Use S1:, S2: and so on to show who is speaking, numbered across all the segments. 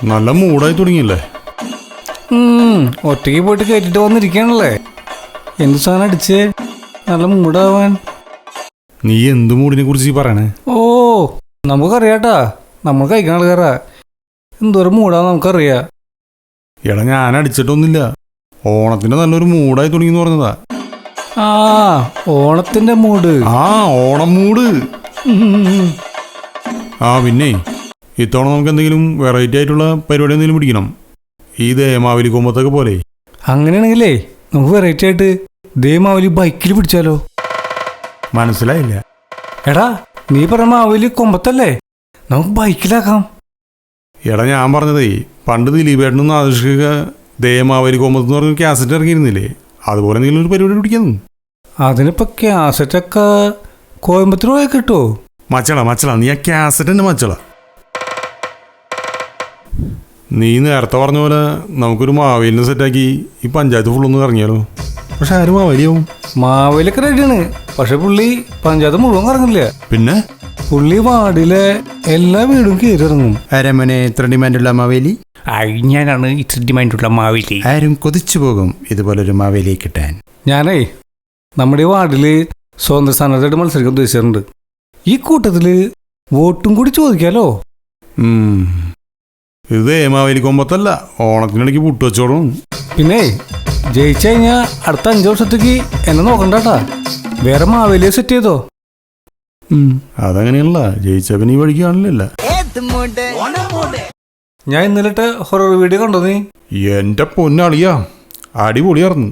S1: നല്ല മൂടായി തുടങ്ങിയല്ലേ?
S2: ഒറ്റയ്ക്ക് പോയിട്ട് കയറ്റിട്ട് വന്നിരിക്കണല്ലേ. എന്ത് സാധനം അടിച്ചേ നല്ല മൂടാവാൻ?
S1: നീ എന്ത് മൂടിനെ കുറിച്ച് പറയണേ?
S2: ഓ നമുക്കറിയാട്ടാ, നമ്മൾ കഴിക്കണ ആൾക്കാരാ. എന്തോരം മൂടാന്ന് നമുക്കറിയാം.
S1: എടാ ഞാൻ അടിച്ചിട്ടൊന്നുമില്ല. ഓണത്തിന്റെ നല്ലൊരു മൂടായി തുടങ്ങിയെന്ന് പറഞ്ഞതാ.
S2: ആ ഓണത്തിന്റെ മൂട്.
S1: ആ ഓണം മൂട്. ആ പിന്നെ ഇത്തവണ നമുക്ക് എന്തെങ്കിലും വെറൈറ്റി ആയിട്ടുള്ള പരിപാടി എന്തെങ്കിലും പിടിക്കണം. ഈ ദേമാവലി കൊമ്പത്തൊക്കെ പോലെ.
S2: അങ്ങനെയാണെങ്കിലേ നമുക്ക് വെറൈറ്റി ആയിട്ട് ദേമാവലി ബൈക്കിൽ പിടിച്ചാലോ?
S1: മനസ്സിലായില്ല.
S2: എടാ നീ പറഞ്ഞ മാവലി കൊമ്പത്തല്ലേ, നമുക്ക് ബൈക്കിലാക്കാം.
S1: എടാ ഞാൻ പറഞ്ഞതേ, പണ്ട് ദിലീപേട്ടനൊന്ന് ആകർഷിക്കുക ദേമാവലി കൊമ്പത്ത് എന്ന് പറഞ്ഞ കാസറ്റ് ഇറങ്ങിയിരുന്നില്ലേ, അതുപോലെ എന്തെങ്കിലും ഒരു പരിപാടി പിടിക്കുന്നു.
S2: അതിനിപ്പോ കാസറ്റൊക്കെ കോയമ്പത്തൂർ പോയി കിട്ടുമോ?
S1: മച്ചള നീ ആ കാസറ്റ് തന്നെ മച്ചള. നീ നേരത്തെ പറഞ്ഞ പോലെ നമുക്കൊരു മാവേലിനെ സെറ്റാക്കി ഈ പഞ്ചായത്ത് ഫുള്ളൊന്ന് ഇറങ്ങിയാലോ? പക്ഷെ ആരും മാവേലിയാവും.
S2: മാവേലിയൊക്കെ റെഡിയാണ്, പക്ഷെ പുള്ളി പഞ്ചായത്ത് മുഴുവൻ ഇറങ്ങില്ല.
S1: പിന്നെ
S2: പുള്ളി വാർഡിലെ എല്ലാ വീടും കയറി ഇറങ്ങും.
S1: അരമനെ ഇത്ര ഡിമാൻഡുള്ള മാവേലി?
S2: ഞാനാണ് ഇത്ര ഡിമാൻഡുള്ള മാവേലി.
S1: ആരും കൊതിച്ചു പോകും ഇതുപോലൊരു മാവേലിയെ കിട്ടാൻ.
S2: ഞാനേ നമ്മുടെ വാർഡിൽ സ്വതന്ത്ര സ്ഥാനാർത്ഥിയായിട്ട് മത്സരിക്കാൻ ഉദ്ദേശിച്ചിട്ടുണ്ട്. ഈ കൂട്ടത്തില് വോട്ടും കൂടി ചോദിക്കാലോ?
S1: ഇത് ദേമാവലി കൊമ്പത്തല്ല, ഓണത്തിനിടയ്ക്ക് പുട്ടുവച്ചോടും.
S2: പിന്നെ ജയിച്ചു കഴിഞ്ഞാൽ അടുത്ത 5 വർഷത്തേക്ക് എന്നെ നോക്കണ്ടാട്ടാ, വേറെ മാവേലിയെ സെറ്റ് ചെയ്തോ.
S1: അതങ്ങനെയല്ല, ജയിച്ച പിന്നെ ഈ വഴിക്ക് കാണില്ല.
S2: ഞാൻ ഇന്നലെ ഹൊറർ വീഡിയോ കണ്ടോ നീ?
S1: എന്റെ പൊന്നാളിയാ, അടിപൊളിയായിരുന്നു.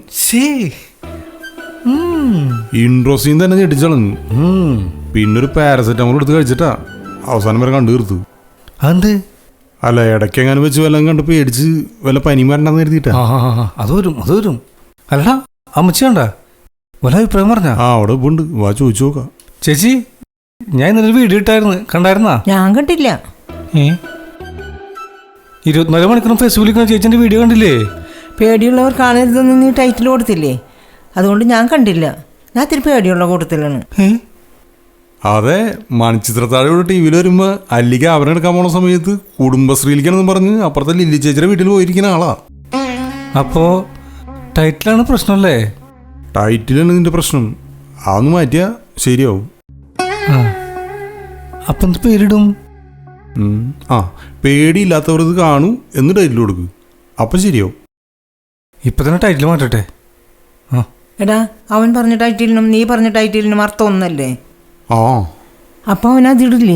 S1: ഇൻട്രോ സീൻ തന്നെ ഞെട്ടിച്ചളഞ്ഞു. പിന്നൊരു പാരസെറ്റമോൾ എടുത്ത് കഴിച്ചിട്ടാ അവസാനം വരെ കണ്ടു തീർത്തു.
S2: അതെന്ത്?
S1: അല്ല, ഇടയ്ക്കെങ്ങാനും വെച്ച് വല്ലതും കണ്ട് പേടിച്ച് വല്ല പനിയും വരണ്ടെന്ന് കരുതിയിട്ടാ.
S2: അത് വരും. അല്ലടാ അമ്മച്ചി കണ്ട വല്ല അഭിപ്രായം പറഞ്ഞ?
S1: അവിടെ ഉണ്ട്, വാ ചോദിച്ചു നോക്കാം.
S2: ചേച്ചി ഞാൻ ഇന്നലെ വീഡിയോ ഇട്ടായിരുന്നു, കണ്ടായിരുന്നാ?
S3: ഞാൻ കണ്ടില്ല.
S2: 24 മണിക്കൂറും ഫേസ്ബുക്കിൽ ചേച്ചിന്റെ വീഡിയോ കണ്ടില്ലേ?
S3: പേടിയുള്ളവർ കാണരുതെന്ന് നീ ടൈറ്റിൽ കൊടുത്തില്ലേ, അതുകൊണ്ട് ഞാൻ കണ്ടില്ല. ഞാൻ ഇത്തിരി പേടിയുള്ള കൂട്ടത്തിലാണ്.
S1: അതെ, മണിച്ചിത്രത്താഴോട് ടി വിയിൽ വരുമ്പോ അല്ലിക്ക് അവരെടുക്കാൻ പോണ സമയത്ത് കുടുംബശ്രീയിലേക്കാണെന്ന് പറഞ്ഞ് അപ്പുറത്തെ ലില്ലി ചേച്ചിയുടെ വീട്ടിൽ പോയിരിക്കുന്ന ആളാ.
S2: അപ്പോ ടൈറ്റിലാണ് പ്രശ്നമല്ലേ?
S1: ടൈറ്റിലാണ് നിന്റെ പ്രശ്നം, അതൊന്ന് മാറ്റിയാ ശരിയാവും.
S2: അപ്പൊ എന്ത് പേരിടും?
S1: പേടിയില്ലാത്തവർ ഇത് കാണൂ എന്ന് ടൈറ്റിൽ കൊടുക്കും, അപ്പൊ ശരിയാവും.
S2: ഇപ്പൊ തന്നെ ടൈറ്റിൽ മാറ്റട്ടെ.
S3: എടാ അവൻ പറഞ്ഞ ടൈറ്റിലിനും നീ പറഞ്ഞ ടൈറ്റിലിനും അർത്ഥം ഒന്നല്ലേ? അപ്പൊ അവൻ അതിടില്ലേ?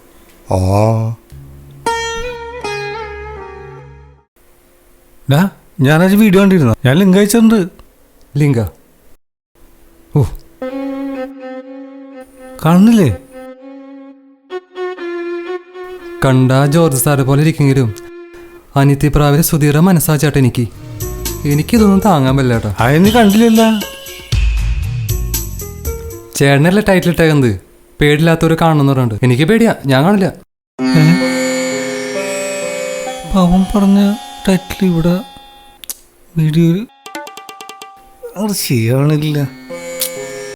S2: ഞാനത് വീഡിയോ കണ്ടിരുന്നു, ഞാൻ ലിങ്ക് അയച്ചിട്ടുണ്ട്. ലിങ്ക കാണുന്നില്ലേ?
S4: കണ്ട ജോർജ് സാറെ പോലെ ഇരിക്കെങ്കിലും അനിത്യപ്രാവിലെ സുധീറ മനസ്സാച്ചാട്ടെ. എനിക്കിതൊന്നും താങ്ങാൻ പറ്റാട്ടാ.
S2: അതെന്ന് കണ്ടില്ല.
S4: ചേട്ടനല്ലേ ടൈറ്റിൽ ഇട്ടേക്കുന്നത്, പേടില്ലാത്തവര് കാണുന്നു പറഞ്ഞിട്ട്. എനിക്ക് പേടിയാ, ഞാൻ കാണില്ല.
S2: പാവം പറഞ്ഞ ടൈറ്റിൽ ഇവിടെ വീഡിയോ അത് ശരിയാവണില്ല.